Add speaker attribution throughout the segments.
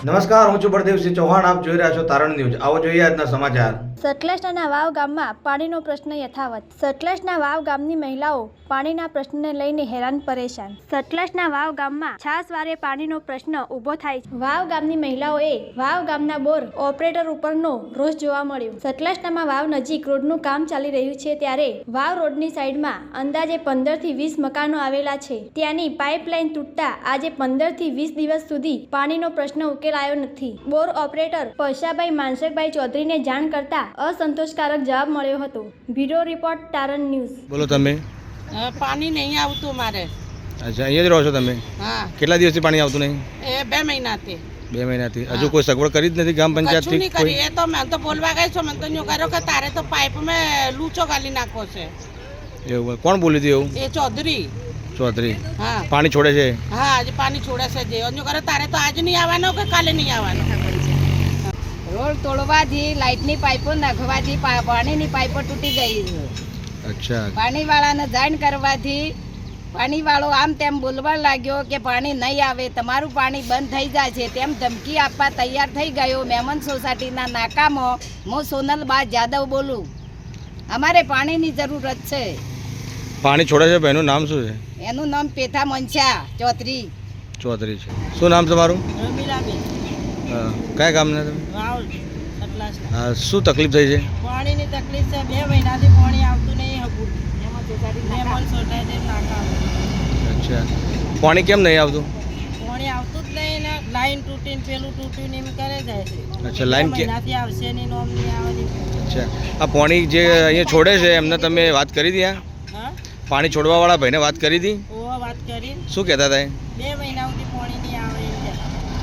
Speaker 1: નમસ્કાર, હું છું બળદેવસિંહ ચૌહાણ. આપ જોઈ રહ્યા છો તારણ ન્યૂઝ. આવો જોઈએ આજના સમાચાર.
Speaker 2: સતલજના વાવ ગામમાં પાણીનો પ્રશ્ન યથાવત. સતલજના વાવ ગામની મહિલાઓ પાણીના પ્રશ્નને લઈને હેરાન પરેશાન. સતલજના વાવ ગામમાં છાસવારે પાણીનો પ્રશ્ન ઊભો થાય છે. વાવ ગામની મહિલાઓએ વાવ ગામના બોર ઓપરેટર ઉપરનો રોષ જોવા મળ્યો. સતલજનામાં વાવ નજીક રોડનું કામ ચાલી રહ્યું છે, ત્યારે વાવ રોડની સાઈડમાં અંદાજે 15 થી 20 મકાનો આવેલા છે. ત્યાંની પાઇપલાઇન તૂટતા આજે 15 થી 20 દિવસ સુધી પાણીનો પ્રશ્ન ઉકેલાયો નથી. બોર ઓપરેટર પૈસાભાઈ માનસકભાઈ ચૌધરીને જાણ કરતા असंतोषकारक जवाब મળ્યો હતો. બ્યુરો રિપોર્ટ તારણ ન્યૂઝ.
Speaker 3: બોલો તમે.
Speaker 4: પાણી નહીં આવતું મારે.
Speaker 3: અચ્છા, અહીંયા જ રહો છો તમે?
Speaker 4: હા.
Speaker 3: કેટલા દિવસથી પાણી આવતું નહીં?
Speaker 4: એ 2 મહિનાથી.
Speaker 3: 2 મહિનાથી હજુ કોઈ સગવડ કરી જ નથી ગામ પંચાયતથી?
Speaker 4: કશું નહીં કરી. એ તો મેં તો બોલવા ગઈ છું, મને તો ન્યુ કર્યો કે તારે તો પાઇપ મેં લૂચો ગાલી નાખો છે.
Speaker 3: એવું કોણ બોલી હતી એવું?
Speaker 4: એ ચૌધરી.
Speaker 3: ચૌધરી.
Speaker 4: હા.
Speaker 3: પાણી છોડે છે? હા,
Speaker 4: આજે પાણી છોડે છે. જે ન્યુ કર્યો તારે તો આજ નહીં આવવાનો કે કાલે નહીં આવવાનો.
Speaker 5: રોડ તોડવાથી લાઇટની પાઇપો નાખવાથી પાણીની પાઇપો તૂટી ગઈ છે.
Speaker 3: અચ્છા.
Speaker 5: પાણીવાળાને જાણ કરવાથી પાણીવાળો આમ તેમ બોલવા લાગ્યો કે પાણી નહીં આવે, તમારું પાણી બંધ થઈ જાય છે, તેમ ધમકી આપવા તૈયાર થઈ ગયો. મેમન સોસાયટીના નાકામાં હું સોનલબા જાદવ બોલું. અમારે પાણીની જરૂરત છે.
Speaker 3: પાણી છોડે છે, એનું નામ શું છે?
Speaker 5: એનું નામ પેથા મનસા ચૌધરી.
Speaker 3: ચૌધરી છે. શું નામ તમારું?
Speaker 4: રમીલાબેન.
Speaker 3: કયા ગામના તમે?
Speaker 4: વાવ સતલાસના.
Speaker 3: હા, શું તકલીફ થઈ છે?
Speaker 4: પાણીની તકલીફ છે. 2 મહિનાથી પાણી આવતું નહીં હતું. મેમન સોસાયટી નાકા.
Speaker 3: અચ્છા, પાણી કેમ નહીં આવતું?
Speaker 4: પાણી આવતું જ નહીં ને લાઈન તૂટીને પેલું તૂટ્યું ને એમ કરે જાય છે.
Speaker 3: અચ્છા, લાઈન કે
Speaker 4: મહિનાથી આવશે નહીં, નોમ નહીં આવવાની.
Speaker 3: અચ્છા, આ પાણી જે અહીંયા છોડે છે એમને તમે વાત કરી હતી?
Speaker 4: હા,
Speaker 3: પાણી છોડવાવાળા ભાઈને વાત કરી હતી?
Speaker 4: ઓ વાત કરી.
Speaker 3: શું કહેતા હતા?
Speaker 4: 2 મહિના સુધી પાણી નહીં આવે એમ કહેતા.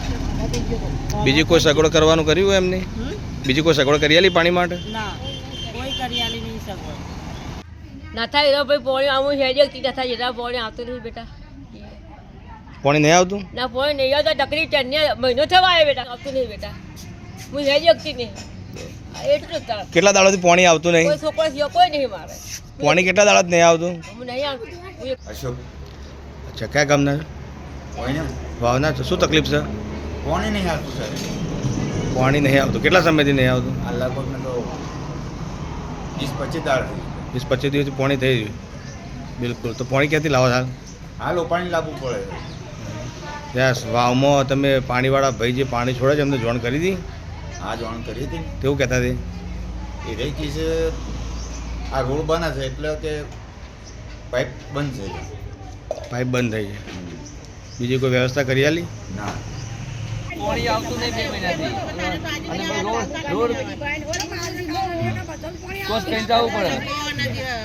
Speaker 3: બીજી કોઈ સગવડ કરવાનું કર્યું હોય એમને? બીજી કોઈ સગવડ કરી આલી પાણી માટે?
Speaker 4: ના, કોઈ કરિયાલી નહીં સગવડ.
Speaker 6: ના થાય એનો ભાઈ પોણી આવું હેડી તી ના થાય જેટલા પોણી આવતું નહીં બેટા.
Speaker 3: પાણી નહીં આવતું?
Speaker 6: ના પોણી નહીં આવતા તકલીફ છે ને, મહિનો થવા આવે બેટા, આવતું નહીં બેટા. હું હેડી શકતી નહીં. એટલું જ તાર.
Speaker 3: કેટલા દાડાથી પાણી આવતું નહીં?
Speaker 6: કોઈ છોકરો સિવાય કોઈ નહીં મારે.
Speaker 3: પાણી કેટલા દાડા નહીં આવતું?
Speaker 6: હું નહીં આવતું.
Speaker 1: અશોક
Speaker 3: અચ્છા, કયા ગામના? વાવના છો. શું તકલીફ છે?
Speaker 7: પાણી નહીં આવતું સર.
Speaker 3: પાણી નહીં આવતું. કેટલા સમયથી નહીં આવતું?
Speaker 7: આ લગભગ મેં તો 20-25 દાળ થઈ.
Speaker 3: 20-25 દિવસથી પાણી થઈ ગયું. બિલકુલ. તો પાણી ક્યાંથી લાવો હાલ?
Speaker 7: હાલ પાણી લાવવું પડે.
Speaker 3: યસ. વાવમાં તમે પાણીવાળા ભાઈ જે પાણી છોડે છે એમને જોણ કરી હતી?
Speaker 7: આ જાણ કરી હતી.
Speaker 3: તેવું કહેતા હતી?
Speaker 7: એ રહી ગઈ છે. આ રોડ બને છે એટલે કે પાઇપ બંધ છે.
Speaker 3: પાઇપ બંધ થઈ છે. બીજી કોઈ વ્યવસ્થા કરી આલી?
Speaker 7: ના.
Speaker 8: પાણી આવતું નહીં 2 મહિનાથી. અને રોડ કોસ કઈ જવું પડે.